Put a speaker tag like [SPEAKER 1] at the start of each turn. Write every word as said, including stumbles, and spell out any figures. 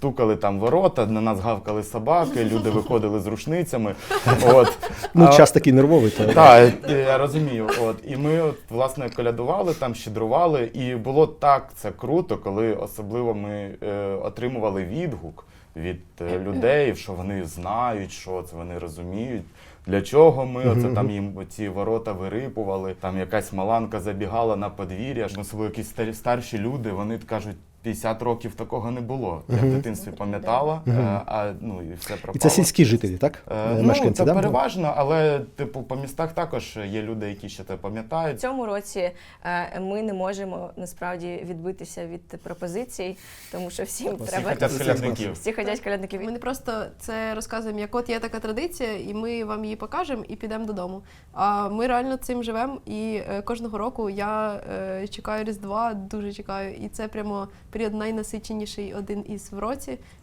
[SPEAKER 1] стукали там ворота, на нас гавкали собаки, люди виходили з рушницями. От.
[SPEAKER 2] Ну,
[SPEAKER 1] А-
[SPEAKER 2] час такий нервовий. То...
[SPEAKER 1] Так, я розумію. От. І ми, от, власне, колядували, там щедрували, і було так це круто, коли особливо ми е, отримували відгук від е, людей, що вони знають, що це, вони розуміють, для чого ми оце там їм ці ворота вирипували, там якась маланка забігала на подвір'я, особливо якісь старі- старші люди, вони кажуть, п'ятдесят років такого не було. Я в дитинстві пам'ятала, е, а ну і все пропало.
[SPEAKER 2] І це сільські жителі, так?
[SPEAKER 1] Е,
[SPEAKER 2] Мешканці,
[SPEAKER 1] ну, це
[SPEAKER 2] да?
[SPEAKER 1] переважно, але типу по містах також є люди, які ще це
[SPEAKER 3] В
[SPEAKER 1] пам'ятають.
[SPEAKER 3] цьому році е, ми не можемо насправді відбитися від пропозицій, тому що всім
[SPEAKER 2] Всі
[SPEAKER 3] треба
[SPEAKER 1] хотять колядників.
[SPEAKER 3] всі ходять колядників.
[SPEAKER 4] Ми не просто це розказуємо, як от є така традиція, і ми вам її покажемо і підемо додому. А ми реально цим живемо, і е, кожного року я е, чекаю Різдва, дуже чекаю. І це прямо період найнасиченіший один із в році.